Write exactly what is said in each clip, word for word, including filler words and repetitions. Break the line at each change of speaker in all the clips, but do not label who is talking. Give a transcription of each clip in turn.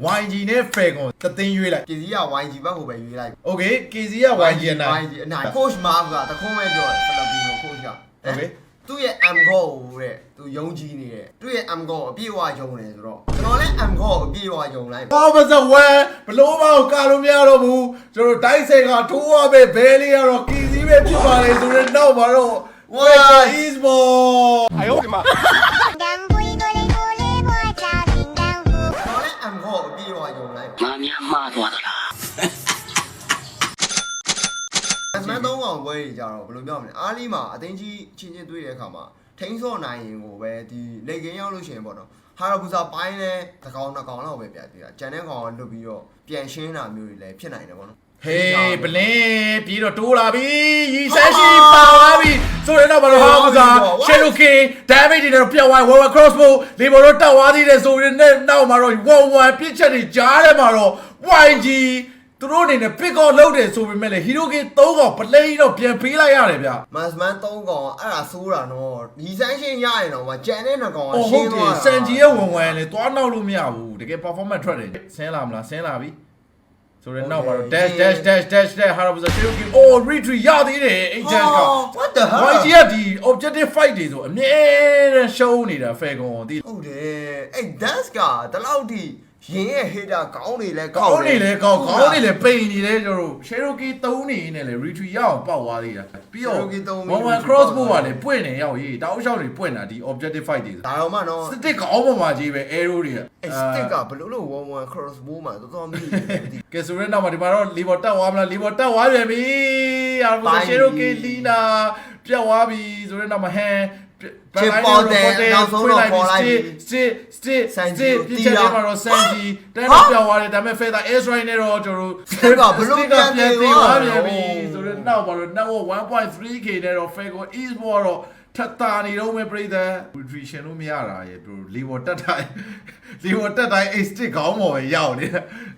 Y G နဲ့ Falcon တသိန်းရွေးလိုက်
ကေစီက Y G ဘက်ကိုပဲရွေးလိုက်
Okay K Z က Y G အနိုင်
Y G အနိုင် coach မားကတခုံးပဲပြောတယ်ဖလပီနို coach က
Okay
သူ့ရဲ့ M goal တဲ့သူယုံကြည်နေတယ်သူ့ရဲ့ M goal အပြည့်အဝယုံတယ်ဆိုတော့ကျွန်တော်လည်း M goal ကိုအပြည့်အဝယုံလိုက်
ဘာမစဝဲဘလို့မအောင်ကာလို့မရတော့ဘူးကျွန်တော်တိုက်ဆိုင်ကထိုးရပဲဘဲလေးကတော့ K Z ပဲဖြစ်ပါလေဆိုတော့နောက်မှာတော့ Wow Esports
哎呦我的妈！
M goal အပြည့်အဝယုံလိုက်
妈咪骂多的啦。
အမှန်သုံးအောင်ပွဲကြီးကြတော့ဘယ်လိုပြောမလဲအားလီမှာအတင်းကြီးချင်းချင်းတွေ့တဲ့အခါမှာထိန်းစော့နိုင်ရင်ကိုပဲဒီလေကင်းရောက်လို့ရှိရင်ပေါ့နော်ဟာရဘူစာပိုင်းလဲတစ်ကောင်နှစ်ကောင်လောက်ပဲပြသေးတာဂျန်တဲ့ကောင်ကလွတ်ပြီးတော့ပြန်ရှင်းတာမျိုးတွေလည်းဖြစ်နိုင်တယ်ပေါ့နော်
Hey ဘလင်းပြီးတော့တိုးလာပြီရီဆက်ရှိပါသွားပြီဆိုတော့ဘာလို့ဟာမစားရှယ်လိုကင် damage တွေတော့ပြောင်းသွား World Crossbow လေဘော်တော့တက်သွားသေးတယ်ဆိုရင်လည်းနောက်မှာတော့ one one ပြစ်ချက်တွေကြားထဲမှာတော့ Y G သူတို့အနေနဲ့ pick off လုပ်တယ်ဆိုပေမဲ့လည်း Hero King သုံးကောင်ပလဲတော့ပြန်ပေးလိုက်ရတယ်ဗျ
မတ်စမန်သုံးကောင်အဲ့ဒါဆိုးတာနော်ဒီဆိုင်ရှင်းရရင်တော့ဂျန်တဲ့နှစ်ကောင်က
အော်
ရှ
ဟုတ်
င်း
တ
သွား
ယ်
တာ
စန်ဂျီရဲ့ဝင်ဝင်လေသွားနောက်လို့မရဘူးတကယ် performance ထွက်တယ်ဆင်းလာမလားဆင်းလာပြီဆိုတော့နောက်ပါတော့ dash dash dash dash dash ဟာတော့ဆို Hero King oh retreat ရသေးတယ်အဲ့ dash က
what the hell
Y G ကဒီ objective fight တွေဆိုအမြဲတမ်းရှုံးနေတာ Falcon ကိုဒီ
ဟုတ်တယ်အဲ့ dance ကတလောက်ထိရင်းရဲ့ hater ကောင်းနေလဲ
ကောင်းနေလေကောင်းကောင်းနေလေပိန်နေလေကျွန်တော်တို့ Cherokee သုံးနေနေလေ retreat ရအောင်ပေါက်သွားသေးတာပြီးတော့ one one crossbow ကလည်းပွင့်နေရောက်ရေးတောက်လျှောက်တွေပွင့်တာဒီ objective fight တွေ
ဒါတော့မှနော်
စတစ်ကောင်းပေါ်မှာကြီးပဲ arrow တွေက
အဲ့ stick ကဘယ်လိုလို့one one crossbow မှာတော်တော်မြည်တယ်မသိ
ကဲဆိုရင်တော့ဒီမှာတော့ level တက်သွားမလား level တက်သွားပြန်ပြီအားလုံး Cherokee Lina ပြတ်သွားပြီဆိုရင်တော့မဟန်
ချစ်ပေါ်တယ်နောက်ဆုံးတော့ပေါ်လိုက်ပြီ
စစ်စစ်စစ်
စန်ဂျီ
ပြစ်ချက်တွေမှာတော့စန်ဂျီတန်းတော့ပြောင်းသွားတယ်ဒါပေမဲ့ Feather Airstrike နဲ့တော့ကျွန်တော်တို့
Stick ကဘယ်လိုပြန်သေးသွားလဲ
ပြန်ပြီဆိုတော့နောက်ပါတော့ now one point three K နဲ့တော့ Falcon Esports တော့ထပ်တာနေတော့မဲ့ပြည်သက် nutrition လို့မရတာရေပြော level တက်တိုင်း level တက်တိုင်း eight stick ခေါင်းပေါ်ပဲရောက်နေတာ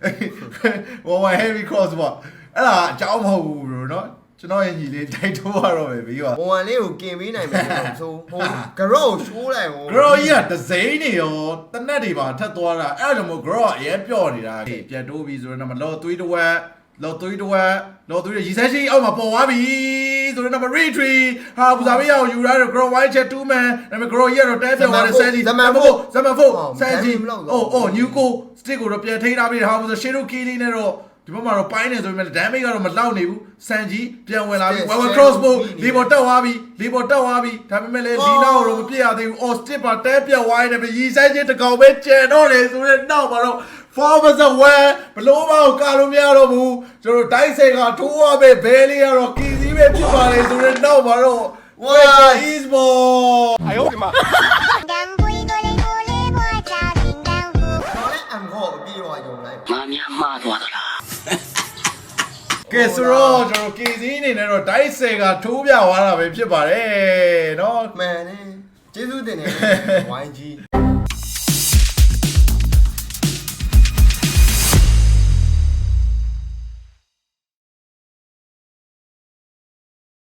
one one heavy cross ပေါ့အဲ့ဒါအကြောင်းမဟုတ်ဘူး bro เนาะကျွန်တော်ရဲ့ညီလေးတိုက်ထိုးရတော့ပဲပြီးတော့
one one လေးကိုกินပေးနိုင်မယ်လို့ဆိုဟို grow ရှိုးလိုက်ဟို
grow ကြီးကဒဇိန်းနေရောတနက်တွေပါထပ်သွားတာအဲ့ဒါကြောင့်မို့ grow ကအရင်ပြော့နေတာပြန်တိုးပြီးဆိုတော့မှလော်သွေးတစ်ဝက်လော်သွေးတစ်ဝက်လော်သွေးရီဆက်ရှိအောက်မှာပေါ်သွားပြီဆိုတော့မှ retreat ဟာဘူဇာဘေးရောက်ယူလာတော့ grow white chat two man ဒါပေမဲ့ grow ကြီးကတော့တဲပြောင်းသွားတယ်ဆန်ဂျီဇမန်ဖို့ဇမန်ဖို့ဆန်ဂျီအိုးအိုး new go stick ကိုတော့ပြန်ထိန်းထားပြီးဟာဘူဇာ Cherokee လေးနဲ့တော့ဒီဘက်မှာတော့ပိုင်းနေဆိုပေမဲ့ damage ကတော့မလောက်နေဘူးစန်ဂျီပြန်ဝင်လာပြီ one one crossbow လီဘော်တက်သွားပြီလီဘော်တက်သွားပြီဒါပေမဲ့လည်းလီနာကိုတော့မပြည့်ရသေးဘူး အော် stick ပါတဲပြတ်ဝိုင်းနေပြီရီဆိုင်ချင်းတစ်ကောင်ပဲကျန်တော့တယ်ဆိုတော့နောက်မှာတော့ Forbes away ဘလို့မအောင်ကာလို့မရတော့ဘူးကျွန်တော်တိုက်ဆိုင်ကထိုးရပဲဘဲလေးကတော့ K Z ပဲဖြစ်ပါလေဆိုတော့နောက်မှာတော့ Wow Esports
哎呦我的妈！
M goal အပြည့်အဝယုံလိုက်
妈咪骂多的啦。
ကဲဆိုတော့ကျွန်တော် K Z အနေနဲ့တော့တိုက်ဆိုင်ကထိုးပြသွားတာပဲဖြစ်ပါတယ်เนาะ
မှန်တယ်ကျေးဇူးတင်တယ် Y G